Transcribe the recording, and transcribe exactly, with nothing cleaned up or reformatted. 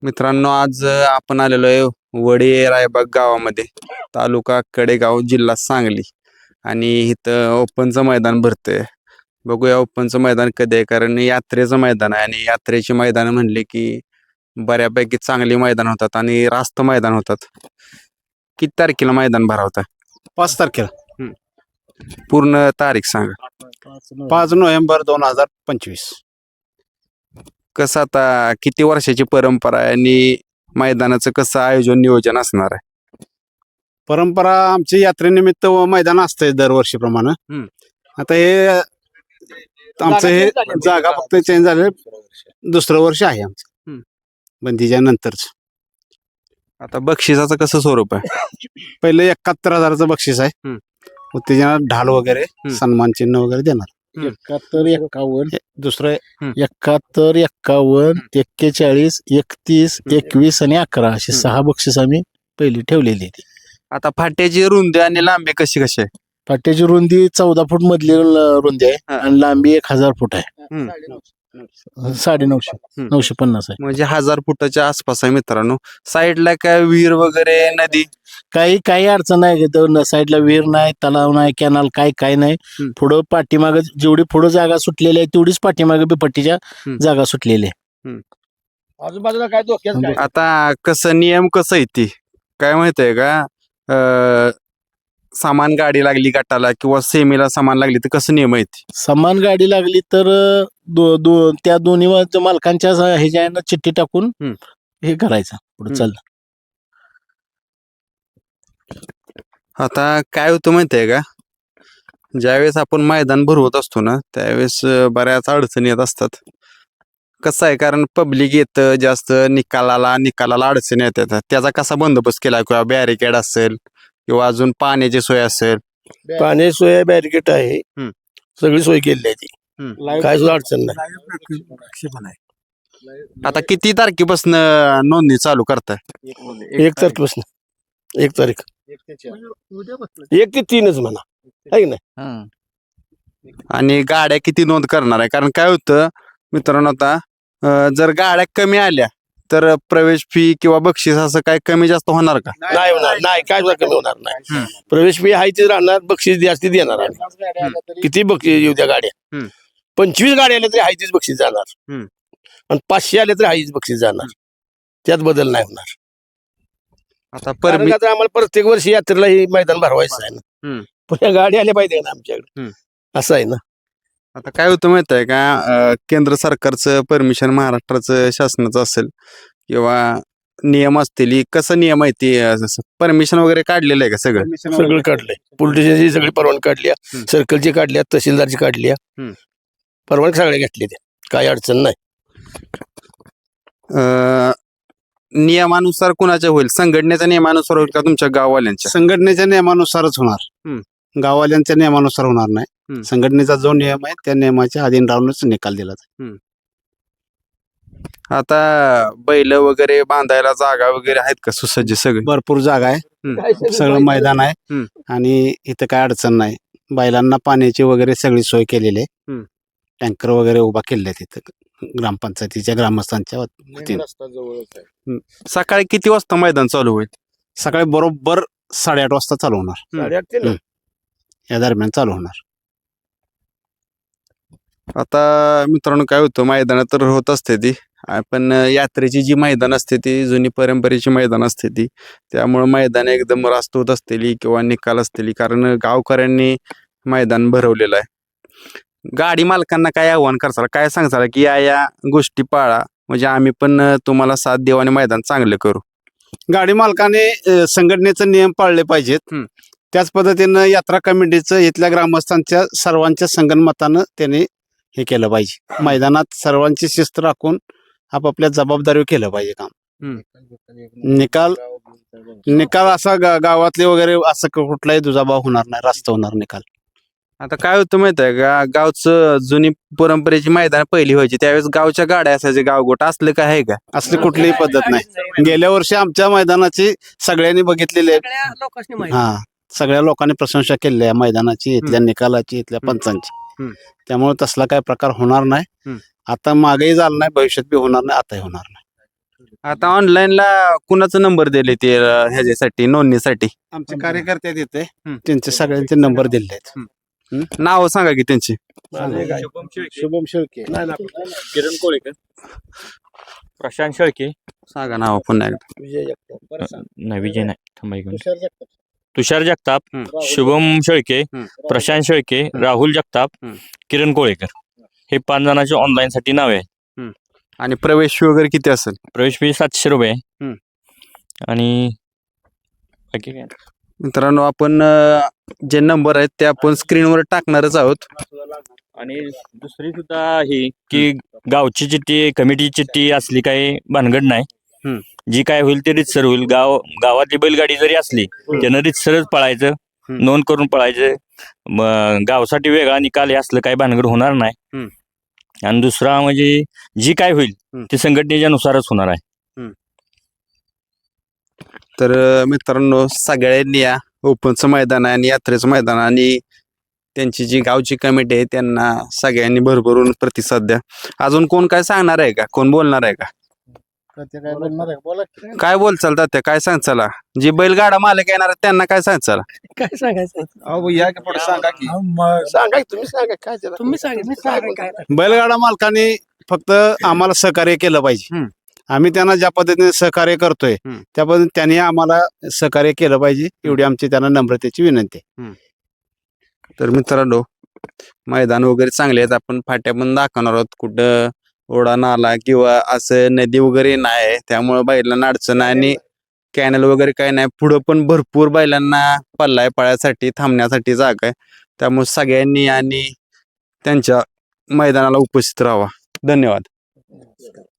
मित्रांनो, आज अ, आपण आलेलो आहे वडी रायबाग गावामध्ये, तालुका कडेगाव, जिल्हा सांगली. आणि इथं ओपनचं मैदान भरतंय. बघूया ओपनचं मैदान कधी आहे, कारण यात्रेचं मैदान आहे आणि यात्रेची मैदान म्हणले की बऱ्यापैकी चांगली मैदान होतात आणि रास्त मैदान होतात. किती तारखेला मैदान भरवता? पाच तारखेला पूर्ण तारीख सांगा. पाच नोव्हेंबर दोन हजार पंचवीस. कसं आता किती वर्षाची परंपरा आहे आणि मैदानाचं कसं आयोजन नियोजन असणार आहे? परंपरा आमची यात्रेनिमित्त व मैदान असतंय दरवर्षीप्रमाणे. हम्म. आता हे आमचं हे जागा फक्त चेंज झाले, दुसरं वर्ष आहे आमचं हम्म. बंदीच्या नंतरच. आता बक्षिसाचं कसं स्वरूप आहे? पहिले एकाहत्तर हजाराचं बक्षीस आहे. हम्म. उत्तेजना ढाल वगैरे सन्मान चिन्ह वगैरे देणार. एकाहत्तर एक्कावन्न दुसरं एकाहत्तर एक्कावन्न एक्केचाळीस एकतीस एकवीस आणि अकरा अशी हम्म. सहा बक्षीस आम्ही पहिली ठेवलेली आहे. आता फाट्याची रुंदी आणि लांबी कशी कशी आहे? फाट्याची रुंदी चौदा फूट मधली ल- रुंदी आहे हा. आणि लांबी एक हजार फूट आहे. हम्म. साडे नऊशे हम्म. नऊशे पन्नास आहे. म्हणजे हजार फुटाच्या आसपास आहे मित्रांनो. साईडला काय विहीर वगैरे, नदी? काही काही अडचण नाही न साईडला विहीर नाही, तलाव नाही, कॅनल काय काय नाही. हम्म. पुढं पाठीमाग जेवढी पुढं जागा सुटलेली आहे तेवढीच पाठीमागे बिपट्टीच्या हम्म. जागा सुटलेली आहे. आजूबाजूला काय धोक्यात आता कसं नियम कसं आहे ती काय माहितीये का? अं, सामान गाडी लागली गटाला किंवा सेमीला सामान लागली तर कसं नियम आहे ती? समान गाडी लागली तर दो, दो, त्या दोन्ही वा- मालकांच्या स- ह्याच्यानं चिठ्ठी टाकून हम्म. हे करायचं पुढे हम्म. चाललं. आता काय होतं माहितीये का, ज्यावेळेस आपण मैदान भरवत असतो ना त्यावेळेस अं, बऱ्याच अडचणी येत असतात. कसं आहे, कारण पब्लिक येतं जास्त, निकालाला निकालाला अडचणी येतात. त्याचा कसा बंदोबस्त केला किंवा बॅरिकेड असेल किंवा अजून पाण्याची सोय असेल? पाणी सोय बॅरिकेट आहे. हम्म. सगळी सोय केलेली आहे ती. हम्म. काय सुद्धा अडचण नाही. आता किती तारखेपासून नोंदणी चालू करताय? एक तारखेपासून एक तारीख एक ते तीनच म्हणा आहे की नाही. आणि गाड्या किती नोंद करणार आहे? कारण काय होतं मित्रांनो, आता अं, जर गाड्या कमी आल्या तर प्रवेश फी किंवा बक्षीस असं काय कमी जास्त होणार का? नाही होणार नाही, काय सुद्धा कमी होणार हम्म. नाही. प्रवेश फी आहे ते राहणार, बक्षीस जास्ती देणार आम्ही. किती बक्षीस येऊ द्या गाड्या. हम्म. पंचवीस गाड्या आल्या तरी आहे तीच बक्षीस जाणार. हम्म. आणि पाचशे आले तरी आहेच बक्षीस जाणार. त्यात बदल नाही होणार. आता कारण परमि का तर आम्हाला प्रत्येक वर्षी यात्रेला हे मैदान भरवायचं आहे ना. हम्म. पण या गाडी आल्या पाहिजे ना आमच्याकडे. हम्म. असं आहे ना. आता काय होतं माहित आहे का, अं, केंद्र सरकारचं परमिशन, महाराष्ट्राचं शासनाचं असेल किंवा नियम असतील, कसं नियम आहे ते परमिशन वगैरे काढलेलं आहे का सगळं? सगळं काढलंय. पोलिटिशियनची सगळी परवानगी काढली, हम्म. सर्कलची काढल्या, तहसीलदारची काढली, हम्म. परवानगी सगळ्या घेतली. त्या काही अडचण नाही. अं, नियमानुसार कुणाच्या होईल? संघटनेच्या नियमानुसार होईल का तुमच्या गाववाल्यांच्या? संघटनेच्या नियमानुसारच होणार. हम्म. गाववाल्यांच्या नियमानुसार होणार नाही. हम्म. संघटनेचा जो नियम आहे त्या नियमाच्या अधीन राहूनच निकाल दिला जाईल. आता बैल वगैरे बांधायला जागा वगैरे आहेत का सुसज्ज सगळे? भरपूर जागा आहे, हम्म. सगळं मैदान आहे. हम्म. आणि इथं काय अडचण नाही. बैलांना पाण्याची वगैरे सगळी सोय केलेली आहे. हम्म. टँकर वगैरे उभा केलेले आहेत तिथं ग्रामपंचायतीच्या ग्रामस्थांच्या वतीने. सकाळी किती वाजता मैदान चालू होईल? सकाळी बरोबर साडेआठ वाजता चालू होणार. साडेआठ ते नऊ. हम्म. या दरम्यान चालू होणार. आता मित्रांनो काय होतं, मैदान तर होत असते ती, पण यात्रेची जी मैदान असते ती जुनी परंपरेची मैदान असते ती, त्यामुळे मैदान एकदम रास्त होत असतेली किंवा निकाल असतेली, कारण गावकऱ्यांनी मैदान भरवलेलं आहे. गाडी मालकांना काय आव्हान करताल, काय सांगताल की या या गोष्टी पाळा म्हणजे आम्ही पण तुम्हाला साथ देऊ आणि मैदान चांगलं करू? गाडी मालकाने अ, संघटनेचे नियम पाळले पाहिजेत. हम्म. त्याच पद्धतीनं यात्रा कमिटीचं इथल्या ग्रामस्थांच्या सर्वांच्या संगनमतानं त्यांनी हे केलं पाहिजे. मैदानात सर्वांची शिस्त राखून आपापल्या जबाबदारी केलं पाहिजे काम. निकाल निकाल असा गा- गावातले वगैरे असं क- कुठलाही दुजाभाव होणार नाही, रास्त होणार निकाल. आता काय होतं माहित आहे का, गावचं जुनी परंपरेची मैदान पहिली व्हायची त्यावेळेस गावच्या गाड्या असायचे, गावगोट असलं काय आहे का? असली कुठलीही पद्धत नाही. गेल्या वर्षी आमच्या मैदानाची सगळ्यांनी बघितलेली आहे. हा, सगळ्या लोकांनी प्रशंसा केली आहे मैदानाची, इथल्या निकालाची, इथल्या पंचांची. हम्म. त्यामुळे तसला काय प्रकार होणार नाही. हम्म. आता मागेही झाला नाही, भविष्यात बी होणार नाही, आताही होणार नाही. आता ऑनलाईनला कुणाचा नंबर दिले ते अं, ह्याच्यासाठी नोंदणीसाठी आमचे कार्यकर्ते आहेत इथे हम्म. त्यांचे सगळ्यांचे नंबर दिले आहेत नाव सांगा की त्यांची शुभम शेळके किरण कोळेकर, प्रशांत शेळके, सांगा नाव पुन्हा एकदा. विजय जगताप नाही विजय नाही थांबा एक मिनिट. तुषार जगताप तुषार जगताप, हम्म. शुभम शेळके, हम्म. प्रशांत शेळके, राहुल जगताप, हम्म. किरण कोळेकर हे पाच जणांचे ऑनलाईन साठी नाव आहे. आणि प्रवेश फी वगैरे किती असेल? प्रवेश फी सातशे रुपये आहे. हम्म. आणि बाकी काय मित्रांनो आपण अं, जे नंबर आहेत ते आपण स्क्रीनवर टाकणारच आहोत. आणि दुसरी सुद्धा ही की गावची चिठ्ठी कमिटी चिठ्ठी असली काही भानगड नाही. हम्म. जी काय होईल ते रितसर होईल. गाव गावातली बैलगाडी जरी असली त्यानं रितसरच पळायचं, हम्म. नोंद करून पळायचं. मग गावासाठी वेगळा निकाल हे असलं काही भानगड होणार नाही. हम्म. आणि दुसरा म्हणजे जी काय होईल हम्म. ते संघटनेच्या नुसारच होणार आहे. तर अं, मित्रांनो सगळ्यांनी या ओपनचं मैदान आहे आणि यात्रेचं मैदान आहे आणि त्यांची जी गावची कमिटी आहे त्यांना सगळ्यांनी भरभरून प्रतिसाद द्या. अजून कोण काय सांगणार आहे का? कोण बोलणार आहे का? ते काय बोलणार आहे बोला की. काय बोलचाल तात्या? काय सांगचाला? जी बैलगाडा मालक येणार आहेत त्यांना काय सांगचाला? काय सांगायचं सांगा की सांगा की तुम्ही सांगा काय त्याला. तुम्ही सांगितलं काय बैलगाडा मालकाने फक्त आम्हाला सहकार्य केलं पाहिजे. हम्म. आम्ही त्यांना ज्या पद्धतीने सहकार्य करतोय हम्म. त्या पद्धतीने त्यांनी आम्हाला सहकार्य केलं पाहिजे एवढी आमची त्यांना नम्रतेची विनंती आहे. तर मित्रांनो मैदान वगैरे चांगले आहेत. आपण फाट्या पण दाखवणार आहोत. कुठं ओढा नाला किंवा असं नदी वगैरे नाही, त्यामुळे बैलांना अडचण नाही आणि कॅनल वगैरे काही नाही. पुढं पण भरपूर बैलांना पल्लाय पळायसाठी थांबण्यासाठी जागा आहे. त्यामुळे सगळ्यांनी आणि त्यांच्या मैदानाला उपस्थित राहावा. धन्यवाद.